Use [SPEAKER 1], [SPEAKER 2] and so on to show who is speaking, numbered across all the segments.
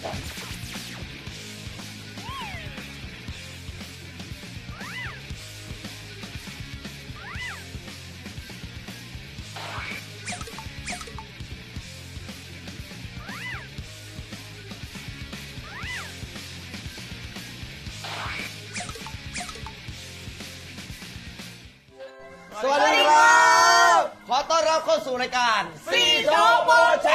[SPEAKER 1] สวัสดีครับขอต้อนรับเข้าสู่รายการซีโจโปเช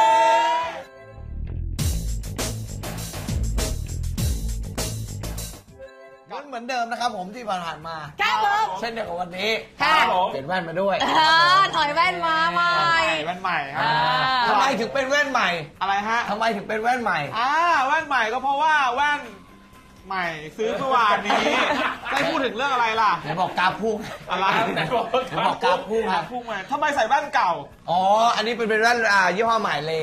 [SPEAKER 1] เหมือนเดิมนะครับผมที่ผ่านมา
[SPEAKER 2] ครับผม
[SPEAKER 1] เช่นเดียวกับวันนี้เปลี่ยนแว่นมาด้วย
[SPEAKER 2] ถอยแว่นมาใหม่
[SPEAKER 3] แว่นใหม่ครับ
[SPEAKER 1] ทำไมถึงเป็นแว่นใหม่
[SPEAKER 3] อะไรฮะ
[SPEAKER 1] ทำไมถึงเป็นแว่นใหม่
[SPEAKER 3] แว่นใหม่ก็เพราะว่าแว่นใหม่ซื้อเมื่อวานนี้ได้พูดถึงเรื่องอะไรล่ะ
[SPEAKER 1] ไหนบอกกาพุ่ง
[SPEAKER 3] อะไรไหนบอก
[SPEAKER 1] กาพุ่ง
[SPEAKER 3] พุ่งมาทำไมใส่แว่นเก่า
[SPEAKER 1] อ๋ออันนี้เป็นแว่นยี่ห้อใหม่เล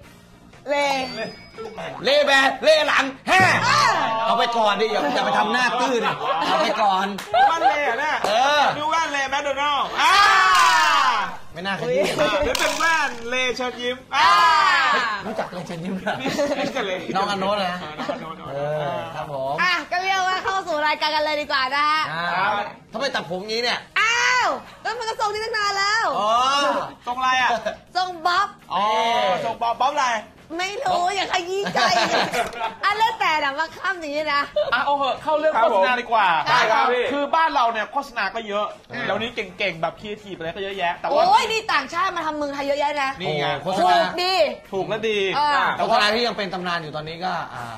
[SPEAKER 1] แบนเลหลังแฮ่เอาไปก่อนดิอย่าไปทำหน้าตื้อดิเอาไปก่อน
[SPEAKER 3] แว่นเลเนี่ยดูแว่นเลแมคโดนัลด์
[SPEAKER 1] ไม่น่าขยี้
[SPEAKER 3] หรือเป็นแว่นเลเชิญยิ้ม
[SPEAKER 1] รู้จักเลเชิญยิ้มเหรอ
[SPEAKER 3] น้
[SPEAKER 1] องอโนเลยนะครับผม
[SPEAKER 2] ก็เรียกว่าเข้าสู่รายการกันเลยดีกว่านะฮะ
[SPEAKER 1] ทำไมตัดผมงี้เนี่ย
[SPEAKER 2] แล้วมันก็ทรงที่ตั้งนานแล้ว
[SPEAKER 3] ทรงอะไร
[SPEAKER 2] ทรงบ๊อบ
[SPEAKER 3] ทรงบ๊อบอะไร
[SPEAKER 2] ไม่รู้อย่าขยี้ใจเรื่องแต่นะมาข้ามอย่างนี้นะ
[SPEAKER 3] เอาเหอะเข้าเรื่องโฆษณาดีกว่าได้ครับคือบ้านเราเนี่ยโฆษณาก็เยอะแล้วนี้เก่งๆแบบครีเอทีฟอะไรก็เยอะแยะแต่ว่า
[SPEAKER 2] โอ้ยนี่ต่างชาติมาทำเมืองไทยเยอะแยะนะ
[SPEAKER 1] นี่ไงโฆษ
[SPEAKER 2] ณา
[SPEAKER 3] ถูกและดี
[SPEAKER 1] โฆษณาที่ยังเป็นตำนานอยู่ตอนนี้ก็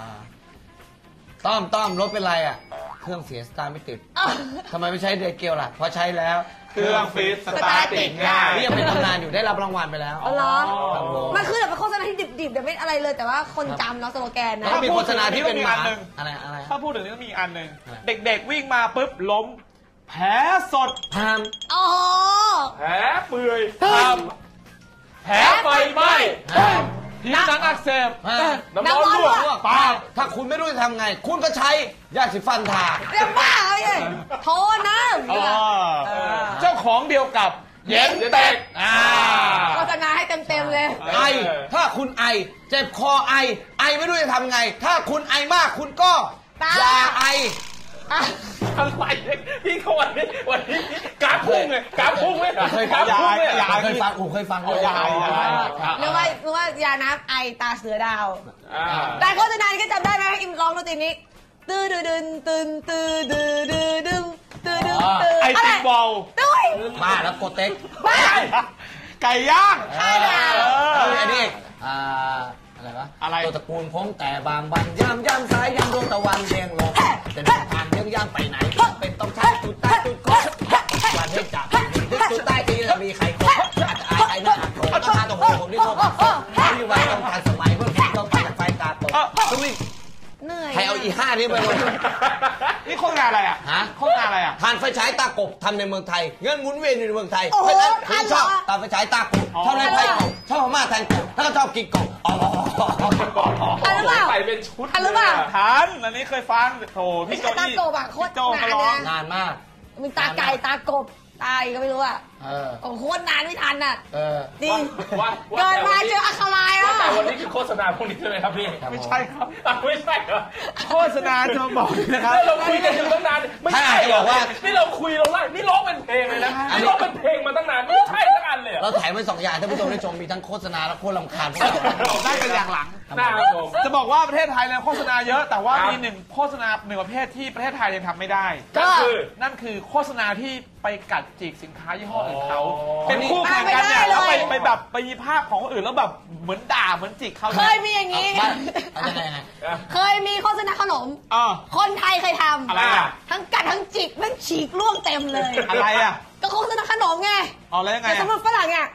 [SPEAKER 1] ต้อมรถเป็นไรเครื่องเสียสตาร์ไม่ติดทำไมไม่ใช้เดย์เกลล่ะเพราะใช้แล้ว
[SPEAKER 3] เครื่องฟิตสตาร์ติดง่าย
[SPEAKER 1] นี่ยังเป็นตำนานอยู่ได้รับรางวัลไปแล้ว
[SPEAKER 2] เหรอมันคือแบบเป็นโฆษณาที่ดิบๆแต่ไม่อะไรเลยแต่ว่าคนจำเนาะสโลแกนนะ
[SPEAKER 1] แล้วมีโฆษณาที่เป็นอันหนึ่งอะไร
[SPEAKER 3] ถ้าพูดถึงนี้ก็มีอันหนึ่งเด็กๆวิ่งมาปุ๊บล้มแผลสด
[SPEAKER 2] แ
[SPEAKER 3] ผลเปื่อยแผลไฟไหม้ผิวหนังอักเสบน้ำร้อนลวกปาก
[SPEAKER 1] ถ้าคุณไม่รู้จะทำไงคุณก็ใช้ยาสีฟันทา
[SPEAKER 2] เรียกว่าไงโทน้
[SPEAKER 3] ำเจ้าของเดียวกับเย็นเต็ก
[SPEAKER 2] โฆษณาให้เต็มๆเลย
[SPEAKER 1] ถ้าคุณไอเจ็บคอไอไม่รู้จะทำไงถ้าคุณไอมากคุณก็อย่าไอ
[SPEAKER 3] อะไรพี่เขาวันนี้กราฟพุ่งเลยกราฟพุ่งเลย
[SPEAKER 1] เคยฟังเคยฟัง
[SPEAKER 3] ยาย
[SPEAKER 2] นึกว่ายาน้ำไอตาเสือดาวแต่โฆษณาก็จำได้ไหมอิมร้องดนตรีนี้ตื้อดึนตื้อดึง
[SPEAKER 3] ไอติมบอล
[SPEAKER 1] บ้าแล้วโกเต็ก
[SPEAKER 3] ไก่ย่าง
[SPEAKER 1] อันนี้อะไรวะตัวตระกูลพงแต่บางบันย่ำสายดวงตะวันเรียงลงจะเดินทางย่างไปไหนเป็นต้องใช้จุดใต้จุดโค้งวันให้จับจุดใต้ทีจะมีใครโค้งอาจจะอายหน้าโค้งต้องทานตัวผมที่โค้งมีวันต้องทันสมัยเพื่อที่ต้องจากไฟตาตกต้องวิ่ง
[SPEAKER 2] เหนื่อย
[SPEAKER 1] ใครเอาอี5นี้ไปเลย
[SPEAKER 3] นี่โฆษณาอะไรโฆษณาอะไร
[SPEAKER 1] ทานไฟฉายตากบทำในเมืองไทยเงินหมุนเวียนอยู่ในเมืองไทยเพราะฉะนั้นผมชอบตาไฟฉายตากบชอบเล่นไพ่กบชอบพม่าแทงกบถ้าก็ชอบกินกบ
[SPEAKER 2] ทันหรือเปล่า
[SPEAKER 3] ใส่เป็นชุด
[SPEAKER 2] ทันหรือเปล่า
[SPEAKER 3] ทันอันนี้เคยฟังโถพี่โจ
[SPEAKER 2] ตากบโคตร
[SPEAKER 1] นานมาก
[SPEAKER 2] มีตาไก่ตากบตายก็ไม่รู้โคตรนานไม่ทันจริงเกิดมาเจออัคราย
[SPEAKER 3] แต่วันนี้คือโฆษณาพวกนี้ใช่ไหมครับพี่ไม่ใช่ครับไม่ใช่เหรอโฆษณาจะบอกนะครับเราคุยกันอยู่ตั้งนานไม่ใช่บอกว่านี่เราคุยเราไล่นี่ร้องเป็นเพลงเลยนะนี่ร้องเป็นเพลงมาตั้งนานไม่ใช่ทั้งอันเลย
[SPEAKER 1] เราถ่ายไว้2อย่างท่านผู้ชมได้ชมมีทั้งโฆษณาและโคตรรำคาญ
[SPEAKER 3] ได้เป็นอย่างหลังจะบอกว่าประเทศไทยเนี่ยโฆษณาเยอะแต่ว่ามีหนึ่งโฆษณาหนึ่งประเภทที่ประเทศไทยยังทำไม่ได้นั่นคือโฆษณาที่ไปกัดจิกสินค้ายี่ห้ออื่นเขาเป็นคู่แข่งกันเนี่ยแล้วไปแบบไปมีภาพของคนอื่นแล้วแบบเหมือนด่าเหมือนจิกเขา
[SPEAKER 2] เคยมีอย่างนี้เคยมีโฆษณาขนมคนไทยเคยทำ
[SPEAKER 3] อะไร
[SPEAKER 2] ทั้งกัดทั้งจิกทั้งฉีกล่วงเต็มเลย
[SPEAKER 3] อะไร
[SPEAKER 2] ก็โฆษณาขนมไง
[SPEAKER 3] แล้วยังไง
[SPEAKER 2] แต่สำหรับฝรั่งเนี่ย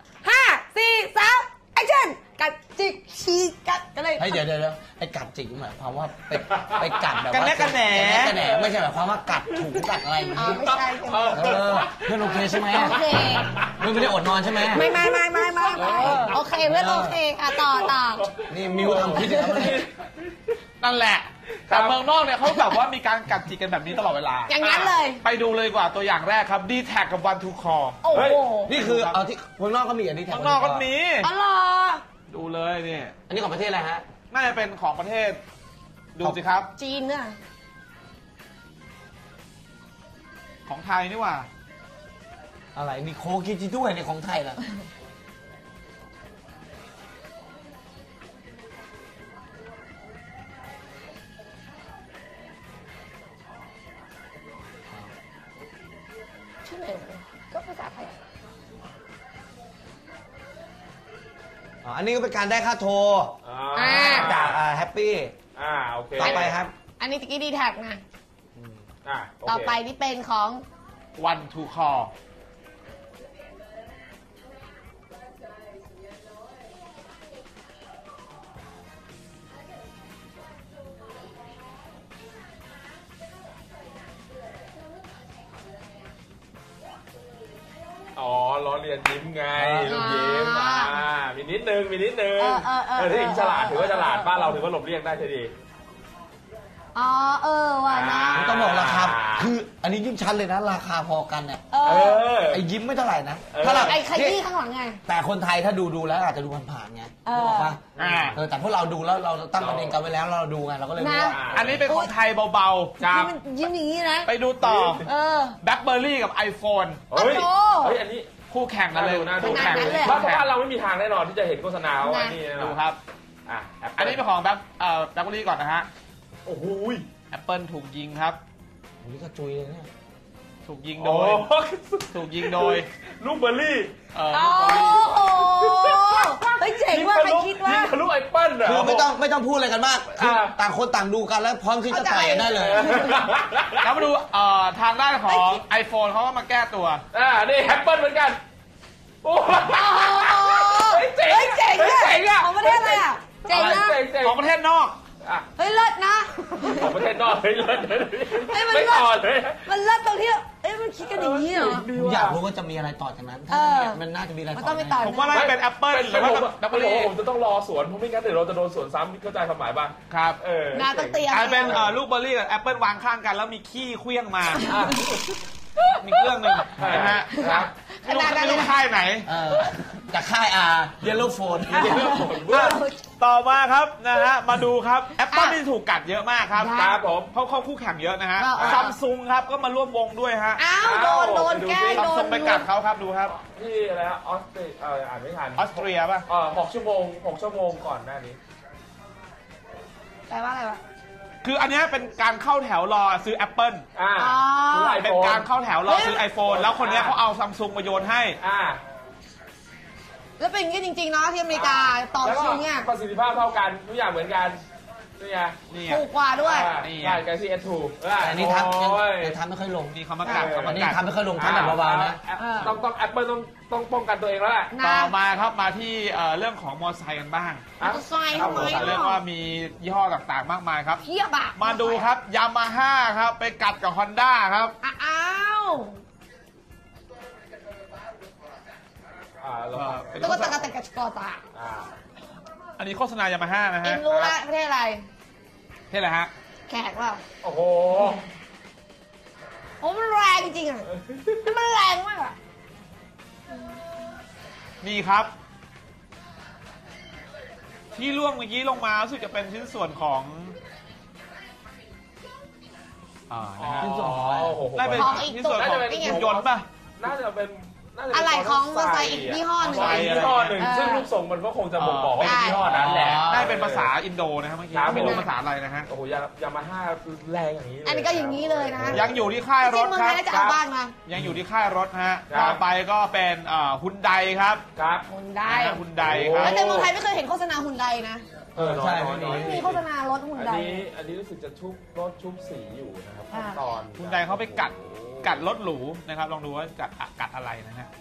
[SPEAKER 2] 5 4 3 แอคชั่นกัดจิกฉีกกัดกันเลย
[SPEAKER 1] เดี๋ยวไอ้กัดจิกหมายความว่าไปกัดแบบว่า
[SPEAKER 3] กันแหน
[SPEAKER 1] ไม่ใช่หมายความว่ากัดถูกัดอะไร
[SPEAKER 2] ไม่ใช่
[SPEAKER 1] เพื่อนโอเคใช่ไหม
[SPEAKER 2] โอเค
[SPEAKER 1] ไม่ได้อดนอนใช่ไหม
[SPEAKER 2] ไม่โอเคเพื่อนโอเคต่อ
[SPEAKER 1] นี่มิวทำพิธี
[SPEAKER 3] นั่นแหละแต่เมืองนอกเนี่ยเขาแบบว่ามีการกัดจิกกันแบบนี้ตลอดเวลา
[SPEAKER 2] อย่างนั้นเลย
[SPEAKER 3] ไปดูเลยกว่าตัวอย่างแรกครับ D-Tag กับ One to Call
[SPEAKER 2] โอ้โห
[SPEAKER 1] นี่คือเอาที่เมืองนอกก็มีอันนี้แท็ก
[SPEAKER 3] เมืองนอกก็มี
[SPEAKER 2] อ๋อเหรอ
[SPEAKER 3] ดูเลยนี่
[SPEAKER 1] อันนี้ของประเทศอะไรฮะ
[SPEAKER 3] น่าจะเป็นของประเทศดูสิครับ
[SPEAKER 2] จีนเนี่ย
[SPEAKER 3] ของไทยนี่หว่า
[SPEAKER 1] อะไรนี่โคกิจิด้วยในของไทยล่ะ
[SPEAKER 2] ชื่ออะไรก็ภาษาไทย
[SPEAKER 1] อันนี้ก็เป็นการได้ค่าโทรจากแฮปปี้
[SPEAKER 4] โอเค
[SPEAKER 1] ต่อไปครับ
[SPEAKER 2] อันนี้ตะกี้ดีแท็กนะ
[SPEAKER 4] โเค
[SPEAKER 2] ต่อไปนี่เป็นของ
[SPEAKER 3] One to Call
[SPEAKER 4] อ๋อล้อเลียนยิ้มไงลูกยิ้มมีนิดนึงถ้าอิงฉลาดถือว่าฉลาดบ้านเราถือว่าหลบเลี่ยงได้ใช่ดี
[SPEAKER 2] อ๋อว่ะนะ
[SPEAKER 1] ต้องบอกราคาคืออันนี้ยิ่งชัดเลยนะราคาพอกันเนี่ยไอ้ยิ้มไม่เท่าไหร่นะถ้าเรา
[SPEAKER 2] ไอ้ขยี้ข้างหลังไง
[SPEAKER 1] แต่คนไทยถ้าดูแล้วอาจจะดูผ่านๆไงบอกว่าแต่พวกเราดูแล้วเราตั้งประเด็นกันไว้แล้วเราดูไงเราก็เลยรู้ว่า
[SPEAKER 3] อันนี้เป็นของไทยเบาๆครับ
[SPEAKER 2] มันยิ้มอย่างนี้นะ
[SPEAKER 3] ไปดูต่อ BlackBerry กับ iPhone
[SPEAKER 4] เฮ้ยอันนี้
[SPEAKER 3] คู่แข่งกันเลย
[SPEAKER 4] น่าดู
[SPEAKER 3] คู่แข่ง
[SPEAKER 4] บ้านเราไม่มีทางแน่นอนที่จะเห็นโฆษณาว่านี่แน่น
[SPEAKER 3] ดู
[SPEAKER 4] อน
[SPEAKER 3] ครับ อันนี้เป็นของBlackBerry ก่อนนะฮะ
[SPEAKER 4] โอ้โห
[SPEAKER 3] Apple ถูกยิงครับ
[SPEAKER 1] อันนี้ก็จุยเลยเนี่ย
[SPEAKER 3] ถูกยิงโดยลูกเบอร์รี่
[SPEAKER 2] โอ้โหเฮ้ยเจ๋งว่ะใครคิดว่า
[SPEAKER 4] ทะลุไอเปิ้ลเหรอ
[SPEAKER 1] คือไม่ต้องพูดอะไรกันมากคือต่างคนต่างดูกันแล้วพร้อมที่จะต่อยกันได้เลย
[SPEAKER 3] แล้วมาดูทางด้านของ iPhone เขาก็มาแก้ตัว
[SPEAKER 4] นี่แอปเปิ้ลเหมือนกันโอ้เจ๋ง
[SPEAKER 2] เจ๋งอ่ะของประเทศอะไรอ่ะเจ๋งนะ
[SPEAKER 3] ของประเทศนอก
[SPEAKER 2] เฮ้ยเลิศนะ
[SPEAKER 4] ของประเทศนอกเฮ้ยเลิศ
[SPEAKER 2] มัน
[SPEAKER 4] ไม่
[SPEAKER 2] เลิ
[SPEAKER 4] ต่อ
[SPEAKER 2] ศ
[SPEAKER 4] เลย
[SPEAKER 2] มันเลิศตรงที่มันคิดกันอย่างนี้เหรอ
[SPEAKER 1] ผมอยากรู้ว่าจะมีอะไรต่อจากนั้นมันน่าจะมีอะไร
[SPEAKER 2] มัน
[SPEAKER 1] ต่
[SPEAKER 2] ต้
[SPEAKER 1] อ
[SPEAKER 2] องไปต่อ
[SPEAKER 3] ผมว่าน่าจะเป็น Apple หรือว่า BlackBerry
[SPEAKER 4] ผมจะต้องรอสวนเพราะไม่งั้นเดี๋ยวเราจะโดนสวนซ้ำเข้าใจความหมายป่ะ
[SPEAKER 3] ครับ
[SPEAKER 2] น่าต้องเตรียม
[SPEAKER 3] กลายเป็นลูกเบอร์รี่กับ Apple วางข้างกันแล้วมีขี้เคลี้ยงมา มีเครื่องหนึ่งนะฮะไม่รู้ค่ายไหน
[SPEAKER 1] จากค่ายเยลโล่โฟน
[SPEAKER 3] ต่อมาครับนะฮะมาดูครับ Apple ที่ถูกกัดเยอะมากครับ
[SPEAKER 4] ครับผม
[SPEAKER 3] เพราะเขาคู่แข่งเยอะนะฮะซัมซุงครับก็มาร่วมวงด้วยฮะ
[SPEAKER 2] อ้าวโดนแก้
[SPEAKER 3] ซัม
[SPEAKER 2] โด
[SPEAKER 3] ซุ
[SPEAKER 2] น
[SPEAKER 3] งไปกัดเขาครับดูครับ
[SPEAKER 4] ที่อะไรฮะออสเตรเลียอ่านไม่ทัน
[SPEAKER 3] ออสเตรียป่ะ
[SPEAKER 4] 6 ชั่วโมงก่อนหน้านี้
[SPEAKER 2] แปลว่าอะไรวะ
[SPEAKER 3] คืออันนี้เป็นการเข้าแถวรอซื้อ Apple เป็นการเข้าแถวรอซื้อ iPhone แล้วคนนี้เขาเอาซัมซุงมาโยนให้
[SPEAKER 2] แล้วเป็นอย่างนี้จริงๆเนาะที่อเมริกาต่อคิวเนี่ย
[SPEAKER 4] ประสิทธิภาพเท่ากันทุกอย่างเหมือนกันนี่ไง
[SPEAKER 2] ถูกกว่าด้วย
[SPEAKER 4] ใช่ Galaxy S2
[SPEAKER 1] อันนี้ทำไม่ค่อยลง
[SPEAKER 3] นี่เขามากัดเขา
[SPEAKER 1] อั
[SPEAKER 3] มาน
[SPEAKER 1] นี้
[SPEAKER 3] กัด
[SPEAKER 1] ทำไม่ค่อยลงทำแบบเบาๆนะ
[SPEAKER 4] ต้อง Apple ต้องป้องกันตัวเองแล้วแหละ
[SPEAKER 3] ต่อมาครับมาที่เรื่องของมอเตอร์ไซค์กันบ้าง
[SPEAKER 2] มอเตอร์ไซค์ทำไม
[SPEAKER 3] เรียกว่ามียี่ห้อต่างๆมากมายครับ
[SPEAKER 2] เทียบอะ
[SPEAKER 3] มาดูครับยามาฮ่าครับไปกัดกับ Honda ครับ
[SPEAKER 2] อ้าว
[SPEAKER 3] เป็น
[SPEAKER 2] ตุ๊กตาตะกอตา
[SPEAKER 3] อันนี้โฆษณายามาฮ่านะ
[SPEAKER 2] เอ็
[SPEAKER 3] ฮะ
[SPEAKER 2] มรู้ละประเทศอะไร
[SPEAKER 3] เท่อะไรฮะ
[SPEAKER 2] แขกเปล่า
[SPEAKER 4] โอ้โห
[SPEAKER 2] โอ้มันแรงจริงอ่ะมันแรงมากอ่ะ
[SPEAKER 3] นี่ครับ ที่ล่วงเมื่อกี้ลงมารู้สึกจะเป็นชิ้นส่วนของนะฮะ
[SPEAKER 1] ชิ้นส่วนของอะไร
[SPEAKER 3] น่าเป็นชิ้นส่วนของหุ่นยนต์ป่ะ
[SPEAKER 4] น่าจะเป็น
[SPEAKER 2] อะไรของมอเตอร์ไซค์อีกยี่ห้อหนึ่ง
[SPEAKER 4] ยี่ห้อหนึ่งซึ่งรูปทรงมันก็คงจะบ่งบอกว่าเป็นยี่ห้อนั้นแหละ
[SPEAKER 3] ได้เป็นภาษาอินโดนะครับเมื่อกี้ไม่รู้ภาษาอะไรนะฮะ
[SPEAKER 4] โอ้โหยามาฮ่าแรงอย่างนี้เลย
[SPEAKER 2] อันนี้ก็อย่างนี้เลยนะ
[SPEAKER 3] ยังอยู่ที่ค่ายร
[SPEAKER 2] จริ
[SPEAKER 3] ถ
[SPEAKER 2] งเมือง
[SPEAKER 3] ค
[SPEAKER 2] ไท
[SPEAKER 3] รับ
[SPEAKER 2] ยน่าจะเอาบ้านมา
[SPEAKER 3] ยังอยู่ที่ค่ายรถฮะต่อไปก็เป็นฮุนไดครับ
[SPEAKER 4] ครับ
[SPEAKER 2] หุ่นได
[SPEAKER 3] ฮุนไดครับ
[SPEAKER 2] แต่เมืองไทยไม่เคยเห็นโฆษณาหุ่นไดนะ
[SPEAKER 1] ใช่
[SPEAKER 2] ไม่มีโฆษณารถหุ่นได
[SPEAKER 4] อันนี้รู้สึกจะชุบรถชุบสีอยู่นะครับขั้นตอน
[SPEAKER 3] ฮุนไดเขาไปกัดรถหรูนะครับลองดูว่ากัดอะไรนะฮะ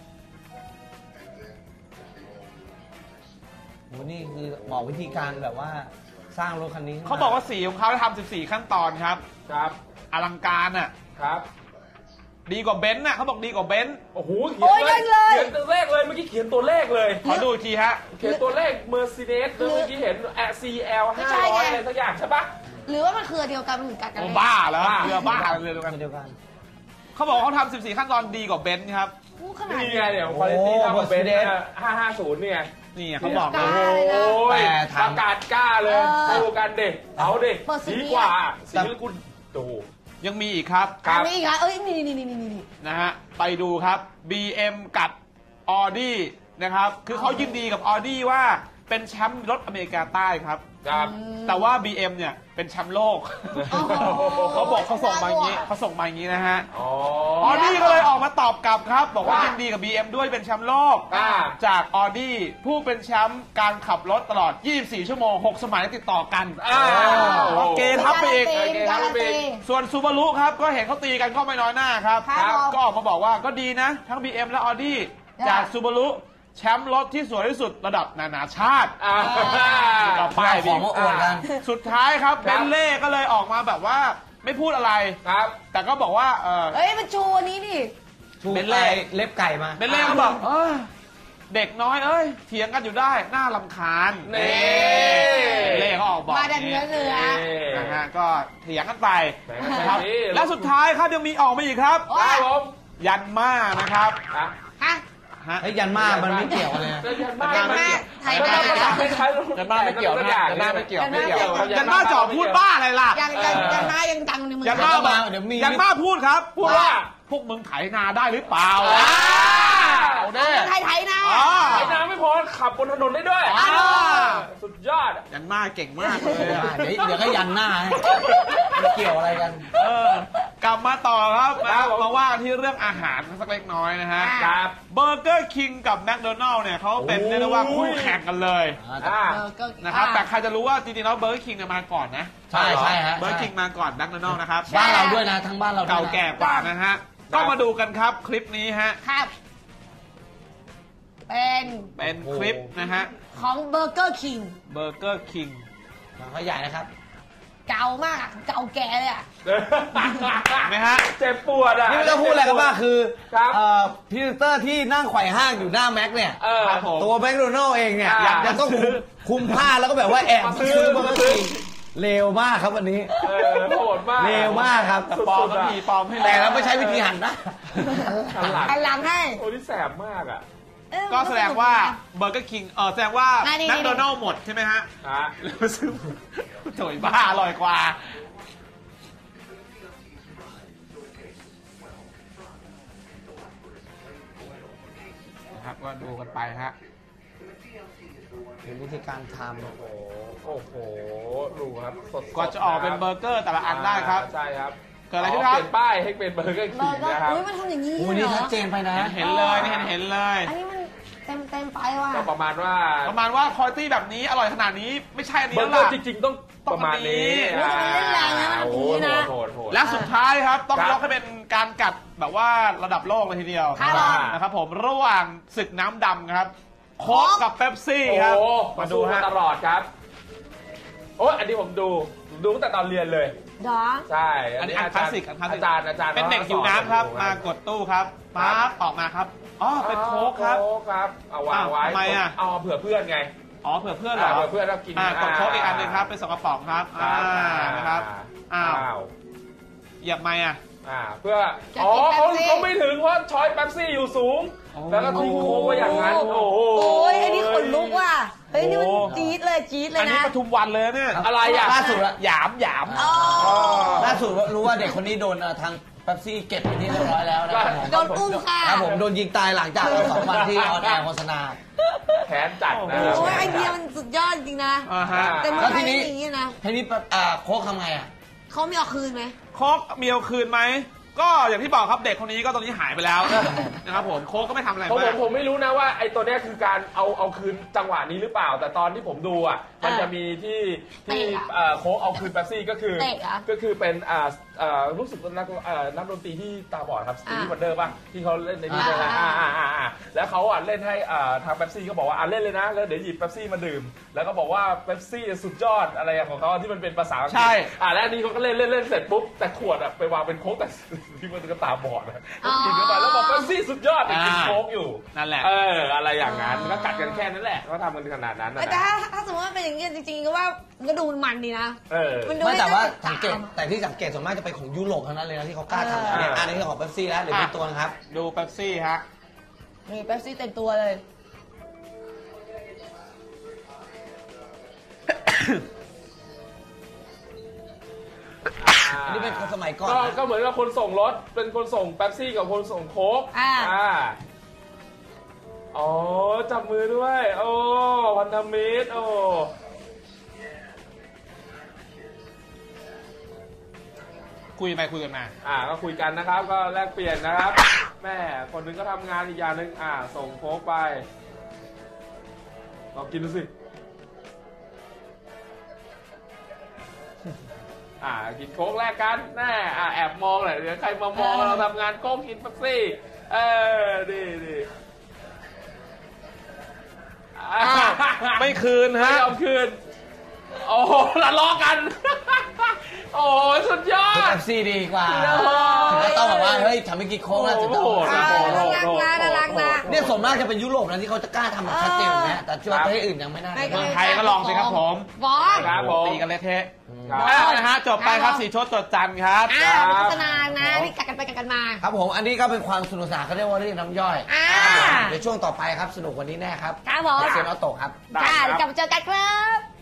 [SPEAKER 1] โหนี่คือบอกวิธีการแบบว่าสร้างรถคันนี้
[SPEAKER 3] เขาบอกว่าสีของเขาทำ14 ขั้นตอนครับ
[SPEAKER 4] ครับ
[SPEAKER 3] อลังการอ่ะ
[SPEAKER 4] ครับ
[SPEAKER 3] ดีกว่าเบนซ์น่ะเขาบอกดีกว่าเบนซ์
[SPEAKER 4] โอ้โหเขียนตัวเลขเลยเมื่อกี้เขียนตัวเลขเลย
[SPEAKER 3] ขอดูอีกทีฮะ
[SPEAKER 4] เขียนตัวเลข Mercedes เมื่อกี้เห็น CL 500อะไรสักอย่างใช่ปะ
[SPEAKER 2] หรือว่ามันคือเดียวกันมันเหมือนกันกัน
[SPEAKER 3] โอ้
[SPEAKER 2] เลย
[SPEAKER 3] บ้าแล้วเรือบ้าเลยเดียวกัน
[SPEAKER 1] เดียวกัน
[SPEAKER 3] เขาบอกเขาทำ14 ขั้นตอนดีกว่าเบนซ์ครับ
[SPEAKER 2] ขนาด
[SPEAKER 4] นี่ไงเดี๋ยวคุณภาพของเบนซ์550เนี่ย
[SPEAKER 3] นี่เขาบอก
[SPEAKER 2] กล้า
[SPEAKER 3] นะ
[SPEAKER 2] เลยนะ
[SPEAKER 4] โอ้ย
[SPEAKER 1] แต่ถาม
[SPEAKER 4] ประกาศกล้าเลยดูกันเด็กเอาเด็ก
[SPEAKER 2] เปิดสี
[SPEAKER 4] ดีกว่าสีกุลดู
[SPEAKER 3] ยังมีอีกครับ
[SPEAKER 4] ครับ
[SPEAKER 2] มีอีกเหรอเอ้ยนี่
[SPEAKER 3] นะฮะไปดูครับ BM กับ Audi นะครับคือเขายินดีกับ Audi ว่าเป็นแชมป์รถอเมริกาใต้ครับ
[SPEAKER 4] ครับ
[SPEAKER 3] แต่ว่า BM เนี่ยเป็นแชมป์โลก
[SPEAKER 2] โอ้โห
[SPEAKER 3] เขาบอกเขาส่งมาอย่างนี้นะฮะ
[SPEAKER 4] อ๋อ
[SPEAKER 3] Audi ก็เลยออกมาตอบกลับครับ บอกว่ายินดีกับ BM ด้วยเป็นแชมป์โลก จาก Audi ผู้เป็นแชมป์การขับรถตลอด 24 ชั่วโมง 6 สมัยติดต่อกันเกทับไปอีก
[SPEAKER 2] การันตี
[SPEAKER 3] ส่วนซูบารุครับก็เห็นเขาตีกันก็ไม่น้อยหน้าครับ
[SPEAKER 2] ครับ
[SPEAKER 3] ก็ออกมาบอกว่าก็ดีนะ ทั้ง BM และ Audi จากซูบารุแชมป์รถที่สวยที่สุดระดับนานาชาติต่อไป
[SPEAKER 1] ของมาอวดกัน
[SPEAKER 3] สุดท้ายครับเบนเล่ก็เลยออกมาแบบว่าไม่พูดอะไร
[SPEAKER 4] ครับ
[SPEAKER 3] แต่ก็บอกว่า
[SPEAKER 2] เอ้ยมันโชว์อันนี้ดิ
[SPEAKER 1] เป็นไรเล็บไก่มา
[SPEAKER 3] เบนเล่ก็บอกเด็กน้อยเอ้ยเถียงกันอยู่ได้น่ารำคาญ
[SPEAKER 4] นี่
[SPEAKER 3] เล่เขาออกบอก
[SPEAKER 2] มาดันเนื้อ
[SPEAKER 3] นะฮะก็เถียงกันไป
[SPEAKER 4] แหม
[SPEAKER 3] นะครับ
[SPEAKER 4] นี่
[SPEAKER 3] และสุดท้ายครับยังมีออกมาอีกครับ
[SPEAKER 4] ครับผม
[SPEAKER 3] ยันมานะครับ
[SPEAKER 4] อ่ะ
[SPEAKER 2] ฮะ
[SPEAKER 3] ฮะ
[SPEAKER 1] เฮ้ยยันมามันไม่เกี่ยวกันเลยนะ
[SPEAKER 4] ยันมา
[SPEAKER 2] ยันมาไทย
[SPEAKER 4] ยัน
[SPEAKER 2] นา
[SPEAKER 4] มาภาษาไทย
[SPEAKER 3] ยันมาไม่เกี่ยวนะยันมาไม่เกี่ยวไม่เกี่ยว
[SPEAKER 4] ยั
[SPEAKER 3] ยั
[SPEAKER 4] น
[SPEAKER 3] น
[SPEAKER 4] มา
[SPEAKER 3] มาจ่อพูดบ้าอะไรล่ะ
[SPEAKER 2] ยังมายังดังในเมือง
[SPEAKER 3] ยัน
[SPEAKER 2] ไท
[SPEAKER 3] มาย
[SPEAKER 1] เดี๋ยวมี
[SPEAKER 3] ยันมาพูดครับ พูดว่าพวกมึงไถนาได้หรือเปล่าเอาเด้
[SPEAKER 2] ไทยนะ
[SPEAKER 4] ไอ้น้ำไม่พอขับบนถนนได้ด้วย สุดยอด
[SPEAKER 3] ยันมาเก่งมากเลยอะ
[SPEAKER 1] เดี๋ยวก็ยันหน้าให้ไม่เกี่ยวอะไรกัน
[SPEAKER 3] กลับมาต่อครับ
[SPEAKER 4] ครับผม
[SPEAKER 3] มาว่ากันที่เรื่องอาหารสักเล็กน้อยนะฮะ
[SPEAKER 4] ครับ
[SPEAKER 3] เบอร์เกอร์คิงกับแมคโดนัลล์เนี่ยเขาเป็นเรียกได้ว่าคู่แข่งกันเลย
[SPEAKER 4] อ่า
[SPEAKER 3] นะครับแต่ใครจะรู้ว่าจริงๆแล้วเบอร์เกอร์คิงเนี่ยมาก่อนนะ
[SPEAKER 1] ใช่ใช่ฮะ
[SPEAKER 3] เบอร์เกอร์คิงมาก่อนแมคโดนัลล์นะครับ
[SPEAKER 1] บ้านเราด้วยนะทั้งบ้านเราด้วยนะ
[SPEAKER 3] เก่าแก่กว่านะฮะก็มาดูกันครับคลิปนี้ฮะ
[SPEAKER 2] ครับ เป็น
[SPEAKER 3] เป็นคลิปนะฮะ
[SPEAKER 2] ของเบอร์เกอร์คิง
[SPEAKER 3] เบอร์เกอร์คิง
[SPEAKER 1] เขาใหญ่นะครับ
[SPEAKER 2] เก่ามากเก่าแก่เลยอ่ะ
[SPEAKER 3] เห็นไหมฮะ
[SPEAKER 4] เจ็บปวดอ่ะ
[SPEAKER 1] นี่ไม่ต้องพูดอะไรกันบ้างคือ
[SPEAKER 4] ครับ
[SPEAKER 1] พรีเซนเตอร์ที่นั่งไขว่ห้างอยู่หน้าแม็กเนี่ย
[SPEAKER 3] ครับผม
[SPEAKER 1] ตัวแมคโดนัลล์เองเนี่ย
[SPEAKER 4] อยาก
[SPEAKER 1] ยังต้องคุมผ้าแล้วก็แบบว่าแอบซื้อเบอร์เกอร์คิงเลวมากครับวันนี้
[SPEAKER 4] โหดมาก
[SPEAKER 1] เลวมากครับ
[SPEAKER 3] ปลอมก็มีปลอมให้
[SPEAKER 1] แต่
[SPEAKER 3] แล้ว
[SPEAKER 1] เราไม่ใช้วิธีหันนะ
[SPEAKER 2] อันหลังให้
[SPEAKER 4] โอ้นี่แสบมากอ่ะ
[SPEAKER 3] ก็แสดงว่าเบอร์เกอร์คิงแสดงว่า
[SPEAKER 2] นี่
[SPEAKER 3] แมคโดนัลล์หมดใช่ไหมฮะ
[SPEAKER 4] ฮะ
[SPEAKER 3] แล้วซื้อโถยบ้าอร่อยกว่านะครับก็ดูกันไปฮะ
[SPEAKER 1] เป็นวิธีการท
[SPEAKER 4] โอ้โหดูครับสดๆ
[SPEAKER 3] กว่าจะออกเป็นเบอร์เกอร์แต่ละอันได้ครับ
[SPEAKER 4] ใช่ครับ
[SPEAKER 3] เกิดอะไรขึ้นครับ
[SPEAKER 4] เปลี่ยนป้ายให้เป็นเบอร์เกอร์
[SPEAKER 2] เบ
[SPEAKER 4] คิ
[SPEAKER 2] อง ร์เกอร์
[SPEAKER 4] นะครับ
[SPEAKER 2] อุ้ยมันทำอย่างนี้
[SPEAKER 1] ำอู้
[SPEAKER 2] เหร
[SPEAKER 1] นี่
[SPEAKER 2] อ
[SPEAKER 1] ชัดเจนไปนะ
[SPEAKER 3] เห็นเลยนี่เห็นเลย
[SPEAKER 2] อันนี้มันเต็มไปว่ะ
[SPEAKER 4] ก็ประมาณว่า
[SPEAKER 3] ประมาณว่าคุณภาพแบบนี้อร่อยขนาดนี้ไม่ใช่อันนี้
[SPEAKER 4] เบอ
[SPEAKER 3] แล้
[SPEAKER 4] ร์
[SPEAKER 3] ว
[SPEAKER 4] เกอ
[SPEAKER 3] ล่ะ
[SPEAKER 4] ร์จริงๆต้องประมาณนี้
[SPEAKER 2] โอ้ยทำไมเล่นแรงนะมัน
[SPEAKER 4] โอ้
[SPEAKER 2] อย่างนี้นะ
[SPEAKER 4] โหโหด
[SPEAKER 3] และสุดท้ายครับต้อง
[SPEAKER 4] ครับ
[SPEAKER 3] ยกให้เป็นการกัดแบบว่าระดับโลกเลยทีเดียว
[SPEAKER 2] ครับ
[SPEAKER 3] นะครับผมระหว่างศึกน้ำดำครับโค้กกับเป๊ปซี่ครับ
[SPEAKER 4] โอ้
[SPEAKER 3] มา
[SPEAKER 4] มา
[SPEAKER 3] ดู
[SPEAKER 4] ดู
[SPEAKER 3] ฮะ
[SPEAKER 4] ตลอดครับ โอ้ยอันนี้ผมดูตั้งแต่ตอนเรียนเลย
[SPEAKER 2] ดอ
[SPEAKER 4] ใช่
[SPEAKER 3] อันนี้อันคลาสสิกอันคลาสสิก
[SPEAKER 4] อาจารย์
[SPEAKER 3] เป็นเด็กหิวน้ำครับ มากดตู้ครับปั๊บออกมาครับอ๋อเป็นโค้กครับ
[SPEAKER 4] โค้กครับเอาวางไว้
[SPEAKER 3] อ้าวทำไมอ่ะ
[SPEAKER 4] เอาเผื่อเพื่อนไง
[SPEAKER 3] อ๋อเผื่อเพื่อนเหรอ
[SPEAKER 4] เผื่อเพื่อนเรากิน
[SPEAKER 3] กดโค้กอีกอันหนึงครับเป็น2กระป๋องครับนะครับอ้าวเหยียบไหมอ่ะ
[SPEAKER 4] เพื่อ
[SPEAKER 2] จะ
[SPEAKER 4] อ๋อ
[SPEAKER 2] กิน
[SPEAKER 4] เขา
[SPEAKER 2] เป๊ปซี่
[SPEAKER 4] ไม่ถึงเพราะช้อยแป๊บซี่อยู่สูง
[SPEAKER 3] โอ้
[SPEAKER 4] แล้วก็ทิ้งโค้กไว้อย่างนั้น โอ้โห
[SPEAKER 2] โอ้ยอันนี้ขนลุกว่ะเฮ้ยนี่มันจี๊ดเลยจี๊ดเลย
[SPEAKER 3] อันนี้
[SPEAKER 2] นะ
[SPEAKER 3] ปทุมวันเลยเนี่ย
[SPEAKER 4] อะไรอ่ะ
[SPEAKER 1] ล่าสุดอะ
[SPEAKER 3] หยามหยาม
[SPEAKER 2] อ๋อ
[SPEAKER 1] ล่าสุดรู้ว่าเด็กคนนี้โดนทางเป๊ปซี่เก็บเป็นที่เรียบร้อยแล้วนะครับผม
[SPEAKER 2] โดนอุ้มค่ะ
[SPEAKER 1] ครับผมโดนยิงตายหลังจาก2 วันที่ออนแอร์โฆษณา
[SPEAKER 4] แขนจัดนะ
[SPEAKER 2] โอ้ยไอเดียมันสุดยอดจริงนะ
[SPEAKER 3] ฮะ
[SPEAKER 2] แต่เมืองไทยไม่มีอย่างนี้นะ
[SPEAKER 1] ทีนี้โค้กทำไงอ่ะ
[SPEAKER 2] เขามีเอาคืนไหม
[SPEAKER 3] โค้กมีเอาคืนไหมก็อย่างที่บอกครับเด็กคนนี้ก็ตอนนี้หายไปแล้วนะครับผมโค้กก็ไม่ทำอะไร
[SPEAKER 4] เพราะ
[SPEAKER 3] มาก
[SPEAKER 4] ผมไม่รู้นะว่าไอ้ตัวเนี้ยคือการเอาคืนจังหวะนี้หรือเปล่า แต่ตอนที่ผมดูอ่ะมันจะมีที่โค้กเอาคืนแป๊บซี่ก็คือ
[SPEAKER 2] เตะเหรอ
[SPEAKER 4] ก็คือเป็นรู้สึกนักดนตรีที่ตาบอดครับสตีฟวันเดอร์ป่ะที่เขาเล่นในนี่นะ แล้วเขาเล่นให้ทางเป๊ปซี่ก็บอกว่าเล่นเลยนะแล้วเดี๋ยวหยิบเป๊ปซี่มาดื่มแล้วก็บอกว่าเป๊ปซี่สุดยอดอะไรของเขาที่มันเป็นภาษาอังกฤษ
[SPEAKER 3] ใช่
[SPEAKER 4] แล้วอันนี้เขาก็เล่นเสร็จปุ๊บแต่ขวดไปวางเป็นโค้กแต่ที่มันก็ตาบอดนะกินเข้าไปแล้วบอกเป๊ปซี่สุดยอดกินโค้กอยู่
[SPEAKER 3] นั่นแหละ
[SPEAKER 4] อะไรอย่างนั้นก็กัดกันแค่นั้นแหละก็ทำกันขนาดนั้นนะ
[SPEAKER 2] แต่ถ้าสมมติว่าเป็นอย่างนี้จริงๆก็ว่ามันก็ดูมันดีนะ มันดู
[SPEAKER 1] ไม่แต่ว่า
[SPEAKER 2] น่
[SPEAKER 1] สังเกตแต่ที่สังเกตส่วนมากจะเป็นของยุโรปเท่านั้นเลยนะที่เขากล้าทำแบบนี้อันนี้ของเป๊ปซี่แล้วหรือเป็นตัวนะครับ
[SPEAKER 3] ดูเป๊ปซี่ฮะ
[SPEAKER 2] มีเป๊ปซี่เต็มตัวเลย
[SPEAKER 1] อันนี้เป็นคนสมัยก่อนนะ
[SPEAKER 4] ก็เหมือนกับคนส่งรถเป็นคนส่งเป๊ปซี่กับคนส่งโค้กอ๋อจับมือด้วยโอ้พันธมิตรโอ้
[SPEAKER 3] คุยไปคุยกันมา
[SPEAKER 4] ก็คุยกันนะครับก็แลกเปลี่ยนนะครับแม่คนนึงก็ทำงานอีกอย่างนึงส่งโค้กไปลองกินดูสิกินโค้กแลกกันแน่แอบมองหน่อยเดี๋ยวใครมามองเราทำงานโค้กกินเป๊ปซี่ดี
[SPEAKER 3] ไม่คืนฮะ
[SPEAKER 4] ไม่ยอมคืนโอ้ทะเลาะกันโอ้สุดยอด
[SPEAKER 1] เป๊ปซี่ดีกว่าถึงต้องแบบว่าเฮ้ยทำให้กินโค้กแล้วถึงจะ
[SPEAKER 2] น่ารักนะ
[SPEAKER 1] เนี่ยส่วนมากจะเป็นยุโรปนะที่เขาจะกล้าทำแบบชัดเจนนะแต่ที่ว่าประเทศอื่นยังไม่น่า
[SPEAKER 3] เมืองไทยก็ลองสิครับผม
[SPEAKER 4] ครับ
[SPEAKER 3] ตีกันเละเทะนะฮะจบไปครับสีชดจดจันครับ
[SPEAKER 2] โฆษณานะที่กัดกันไปกัดกันมา
[SPEAKER 1] ครับผมอันนี้ก็เป็นความสนุกสนานเขาเรียกว่าเรื่องน้ำย่อยในช่วงต่อไปครับสนุกกว่านี้แน่ครับ
[SPEAKER 2] ครับผม
[SPEAKER 1] เซนอโต้ครับ
[SPEAKER 2] กลับมาเจอกันครับ